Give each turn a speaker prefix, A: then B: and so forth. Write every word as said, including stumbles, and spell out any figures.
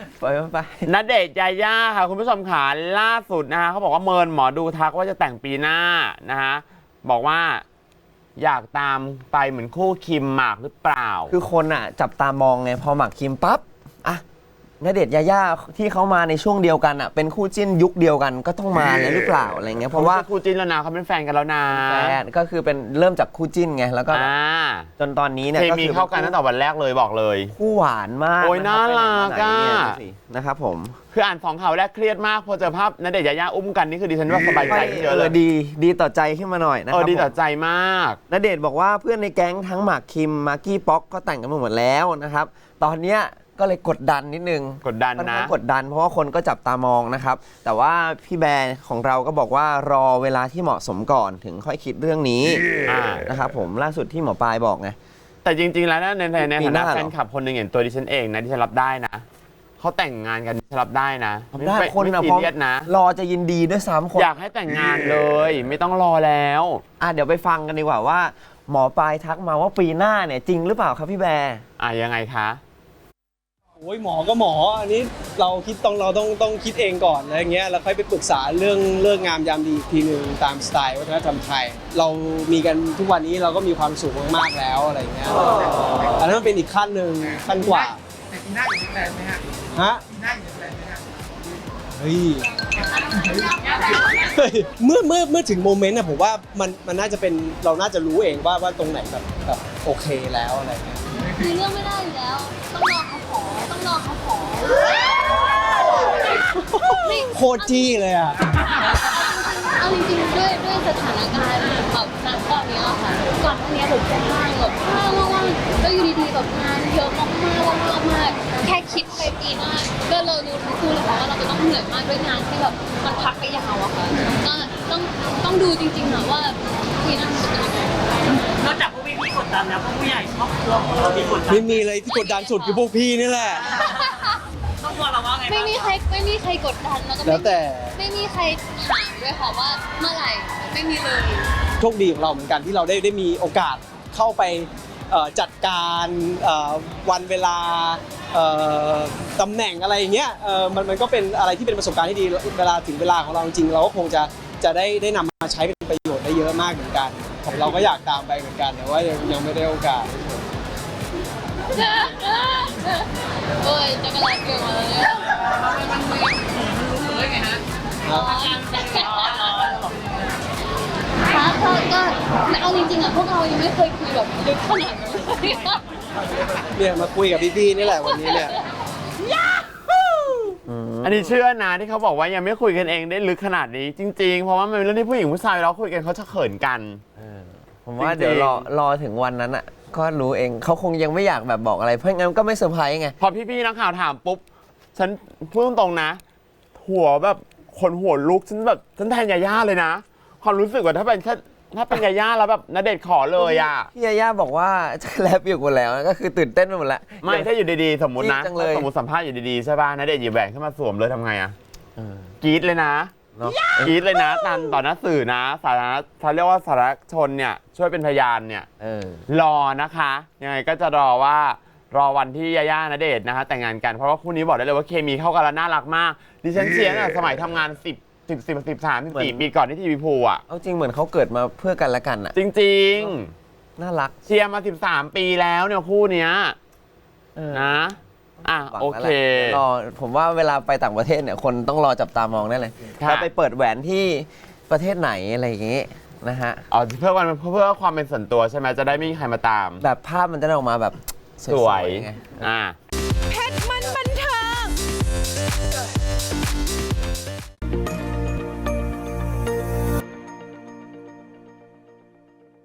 A: ไปไป
B: ณเดชน์ยาย่าค่ะคุณผู้ชมขาล่าสุดนะฮะเขาบอกว่าเมินหมอดูทักว่าจะแต่งปีหน้านะฮะบอกว่าอยากตามไปเหมือนคู่คิมหมากหรือเปล่า
A: คือคนอ่ะจับตามองไงพอหมากคิมปั๊บอ่ะณเดชน์ยาย่าที่เขามาในช่วงเดียวกันอ่ะเป็นคู่จิ้นยุคเดียวกันก็ต้องมาแล้วหรือเปล่าอะไรเงี้ยเพราะว่า
B: คู่จิ้นแล้วนะเขาเป็นแฟนกันแล้วนะ
A: แฟนก็คือเป็นเริ่มจากคู่จิ้นไงแล้วก็จนตอนนี้เนี่ย
B: ก็คือเข้ากันตั้งแต่วันแรกเลยบอกเลย
A: คู่หวานมาก
B: โอ้ยน่ารักอ่ะ
A: นะครับผม
B: คืออ่านสองข่าวแรกเครียดมากพอเจอภาพณเดชน์ยาย่าอุ้มกันนี่คือดิฉันว่าสบายใจเยอะเลย
A: ดีดีต่อใจขึ้นมาหน่อยนะครับ
B: เออดีต่อใจมาก
A: ณเดชน์บอกว่าเพื่อนในแก๊งทั้งหมากคิมมากกี้ป๊อกก็แต่งกันมาหมดแล้วนะครับตอนเนี้ยก็เลยกดดันนิดนึง
B: กดดันนะ
A: กดดันเพราะว่าคนก็จับตามองนะครับแต่ว่าพี่แบร์ของเราก็บอกว่ารอเวลาที่เหมาะสมก่อนถึงค่อยคิดเรื่องนี้นะครับผมล่าสุดที่หมอปลายบอกไง
B: แต่จริงๆแล้วในในในฐานะแฟนคลับคนหนึ่งอย่างตัวดิฉันเองนะดิฉันรับได้นะเขาแต่งงานกันดิฉันรับได้นะ
A: ได้คนนะพร้อมนะรอจะยินดีด้วยซ้ำคน
B: อยากให้แต่งงานเลยไม่ต้องรอแล้ว
A: อ่ะเดี๋ยวไปฟังกันดีกว่าว่าหมอปลายทักมาว่าปีหน้าเนี่ยจริงหรือเปล่าครับพี่แบร์
B: อ่ะยังไงคะ
C: โอ้ยหมอก็หมออันนี้เราคิดต้องเราต้องต้องคิดเองก่อนอะไรเงี้ยแล้วค่อยไปปรึกษาเรื่องเรื่องงามยามดีทีหนึ่งตามสไตล์วัฒนธรรมไทยเรามีกันทุกวันนี้เราก็มีความสุขมากๆแล้วอะไรเงี้ยอันนั้นเป็นอีกขั้นหนึ่งขั้นกว่า
D: แต่ปีหน้าอยู่ในแปลนไหมฮะ
C: ฮะ
D: ปีหน้าอยู่ในแปลนไหมฮะ
C: เฮ้ยเมื่อเมื่อเมื่อถึงโมเมนต์นะผมว่ามันมันน่าจะเป็นเราน่าจะรู้เองว่าว่าตรงไหนแบบแบบโอเคแล้วอะไรเงี้ย
E: คือเรื่องไม่ได้อยู่แล้วต้องรอเขาขอต้องรอเขาขอ
C: โคตรจี้เลยอ่ะ
E: เอาจริงๆด้วยด้วยสถานการณ์แบบณตอนนี้ค่ะก่อนหน้านี้ผมจะว่างแบบว่างว่างๆแล้วอยู่ดีๆแบบงานเยอะมากๆมากๆมากแค่คิดไปปีหน้าก็เรารู้ทั้งคู่เลยค่ะว่าเราจะต้องเหนื่อยมากด้วยงานที่แบบมันพักไปยาวอะค่ะก็ต้องต้องดูจริงๆค่ะว่าปีหน้าจะเป็นยังไง
F: นอกจากพวกพี่ๆกดดันแล้วพวกผู้ใหญ่ครอบครัวของเรามีกดดัน
C: ไม่มีเลยที่กดดันสุดคือพวกพี่นี่แหละ
F: ครอบครัวเราว่าไง
E: ไม่มีใครไม่มีใครกดดันแล้วก็
C: แล้วแต่
E: ไม่มีใครถามด้วยค่ะว่าเมื่อไหร่ไม่มีเลย
C: โชคดีของเราเหมือนกันที่เราได้ได้มีโอกาสเข้าไปจัดการวันเวลาตำแหน่งอะไรอย่างเงี้ยมันมันก็เป็นอะไรที่เป็นประสบการณ์ที่ดีเวลาถึงเวลาของเราจริงๆเราก็คงจะจะได้ได้นำมาใช้เป็นประโยชน์ได้เยอะมากเหมือนกันของเราก็อยากตามไปเหมือนกันแต่ว่ายังยังไม่ได้โอกาส
E: โอ้ยจะกระไรเกินมาเลยมันมือรู้เลยไงฮะค่ะก็เอาจริงๆอ่ะพวกเรายังไม่เคยคุยแบบลึกขนาดนั้น
C: เนี่ยมาคุยกับพี่ๆนี่แหละวันนี้เนี่ย
B: อันนี้เชื่อนะที่เขาบอกว่ายังไม่คุยกันเองได้ลึกขนาดนี้จริงๆเพราะว่ามันเป็นเรื่องที่ผู้หญิงผู้ชายเราคุยกันเขาจะเขินกัน
A: ผมว่าเดี๋ยวรอรอถึงวันนั้นอ่ะก็รู้เองเขาคงยังไม่อยากแบบบอกอะไรเพราะงั้นก็ไม่เซอร์ไพรส์ไง
B: พอพี่ๆนักข่าวถามปุ๊บฉันพูดตรงๆนะหัวแบบขนหัวลุกฉันแบบฉันแทนยาย่าเลยนะความรู้สึกว่าถ้าเป็นแค่ถ้าเป็นยาย่าแล้วแบบณเดชน์ขอเลยอ่ะ
A: พี่ยาย่าบอกว่าจะแลบอยู่หมดแล้วก็คือตื่นเต้นไปหมดแล้ว
B: ไม่ถ้าอยู่ดีๆสมมตินะสมมติสัมภาษณ์อยู่ดีๆใช่ป่ะณเดชน์หยิบแหวนขึ้นมาสวมเลยทำไงอ่ะกรี๊ดเลยนะกรี๊ดเลยนะตันต่อหน้าสื่อนะสาธารณเขาเรียกว่าสาธารณชนเนี่ยช่วยเป็นพยานเนี่ยรอนะคะยังไงก็จะรอว่ารอวันที่ยาย่าณเดชน์นะคะแต่งงานกันเพราะว่าคู่นี้บอกได้เลยว่าเคมีเข้ากันแล้วน่ารักมากดิฉันเชียร์ตั้งแต่สมัยทำงานสิบสิบสิบสิบสามสิบสี่ปีก่อนที่ทีวีพูอ่ะ
A: เอาจริงเหมือนเขาเกิดมาเพื่อกันและกันอ่ะ
B: จริง
A: ๆน่ารัก
B: เชียร์มาสิบสามปีแล้วเนี่ยคู่เนี้ยนะอ่ะโอเค
A: รอผมว่าเวลาไปต่างประเทศเนี่ยคนต้องรอจับตามองได้เลยเราไปเปิดแหวนที่ประเทศไหนอะไรอย่างงี้นะฮะ
B: อ๋อเพื่อวันเพื่อความเป็นส่วนตัวใช่ไหมจะได้ไม่มีใครมาตาม
A: แบบภาพมันจะได้ออกมาแบบ
B: สวยไงอ่า
G: เพชรมันบันเทิง